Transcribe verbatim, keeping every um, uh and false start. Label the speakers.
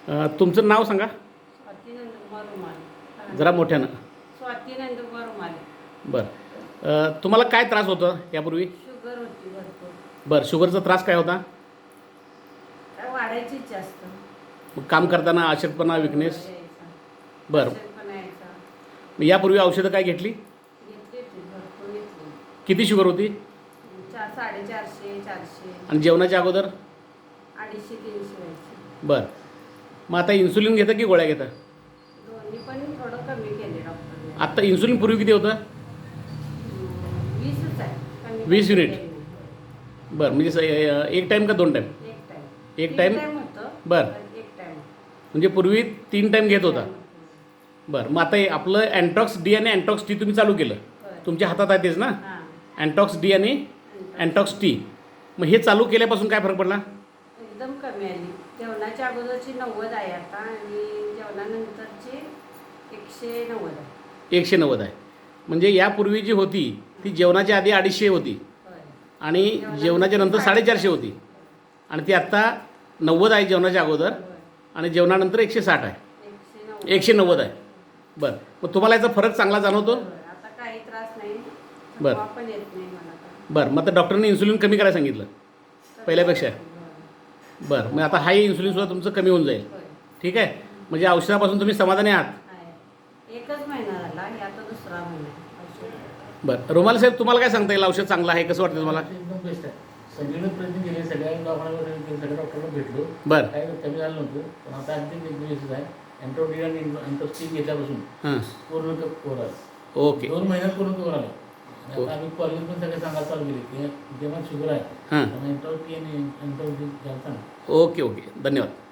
Speaker 1: अ, तुमचं नाव सांगा
Speaker 2: स्वाती नंदकुमार रुमाले.
Speaker 1: जरा मोठ्यानं.
Speaker 2: स्वाती नंदकुमार रुमाले.
Speaker 1: बरं. अ, तुम्हाला काय त्रास होतं यापूर्वी?
Speaker 2: शुगर होती भरपूर.
Speaker 1: बरं. शुगरचा त्रास काय होता?
Speaker 2: काय वाढायचीच जास्त.
Speaker 1: मग काम करताना अशक्तपणा, विकनेस?
Speaker 2: यायचा.
Speaker 1: बरं.
Speaker 2: अशक्तपणा यायचा.
Speaker 1: मग यापूर्वी औषधं काय घेतली?
Speaker 2: घेतली होती भरपूर घेतली.
Speaker 1: किती शुगर होती?
Speaker 2: चार साडेचारशे चारशे
Speaker 1: आणि जेवणाच्या अगोदर?
Speaker 2: अडीचशे तीनशे व्हायची.
Speaker 1: बरं. मग आता इन्सुलिन घेता की गोळ्या घेता?
Speaker 2: दोन्ही पण थोडं कमी केले डॉक्टरने.
Speaker 1: आत्ता इन्सुलिन पूर्वी किती होतं?
Speaker 2: वीसच आहे. कमी
Speaker 1: वीस
Speaker 2: काही
Speaker 1: युनिट.
Speaker 2: केलं नाही.
Speaker 1: बरं. म्हणजे स- अ, एक टाईम का दोन टाईम?
Speaker 2: एक टाइम.
Speaker 1: एक
Speaker 2: तीन
Speaker 1: टाइम?
Speaker 2: टाइम होतं.
Speaker 1: बरं.
Speaker 2: पण एक टाइम.
Speaker 1: म्हणजे पूर्वी तीन टाईम घेत होता. बरं. मग आता हे आपलं अँटॉक्स डी आणि अँटॉक्स टी तुम्ही चालू केलं.
Speaker 2: बरं.
Speaker 1: तुमच्या हातात आहे तेच ना?
Speaker 2: हां.
Speaker 1: अँटॉक्स डी आणि अँटॉक्स टी. मग हे चालू केल्यापासून काय फरक पडला?
Speaker 2: एकदम कमी आली. जेवणाच्या अगोदरची नव्वद आहे आता आणि जेवणानंतरची एकशे नव्वद आहे.
Speaker 1: एकशे नव्वद आहे. म्हणजे यापूर्वी जी होती ती जेवणाच्या आधी अडीचशे होती
Speaker 2: होय.
Speaker 1: आणि जेवणाच्या नंतर साडेचारशे होती आणि ती आत्ता नव्वद आहे जेवणाच्या अगोदर
Speaker 2: होय.
Speaker 1: आणि जेवणानंतर एकशे साठ आहे.
Speaker 2: एकशे नव्वद.
Speaker 1: एकशे नव्वद आहे. बरं. मग तुम्हाला याचा फरक चांगला जाणवतो?
Speaker 2: होय. आता काही त्रास नाही.
Speaker 1: बरं.
Speaker 2: थकवा पण येत नाही मला आता.
Speaker 1: बरं. मग आता डॉक्टरने इन्सुलिन कमी करायला सांगितलं पहिल्यापेक्षा?
Speaker 2: होय.
Speaker 1: बरं. मग आता हाही इन्सुलिनसुद्धा तुमचं कमी होऊन जाईल.
Speaker 2: होय.
Speaker 1: ठीक आहे. म्हणजे औषधापासून तुम्ही समाधानी आहात?
Speaker 2: आहे. एकच महिना झाला. हे आता दुसरा महिना आहे औषध.
Speaker 1: बरं. रुमाल साहेब तुम्हाला काय सांगता येईल? औषध चांगलं आहे कसं वाटतं तुम्हाला?
Speaker 3: एकदम बेस्ट आहे. सगळीकडे प्रयत्न केले, सगळ्या दवाखान्यावर सगळ्या डॉक्टरला भेटलो.
Speaker 1: बरं.
Speaker 3: काय कमी झालं नव्हतं, पण आता अगदी एक व्यवस्थित आहे. अँटोडी आणि अँटोस्टिक घेतल्यापासून
Speaker 1: हां.
Speaker 3: पूर्ण कवर आलं.
Speaker 1: ओके.
Speaker 3: दोन महिन्यात पूर्ण कवर आलं. आणि
Speaker 1: हो.
Speaker 3: आता आम्ही कॉलेज पण सगळे सांगायला चालू केले की जेव्हा शुगर आहे
Speaker 1: हां.
Speaker 3: अँटोटी आणि अँटोस्टिक घ्यायचा ना.
Speaker 1: Okay okay. धन्यवाद.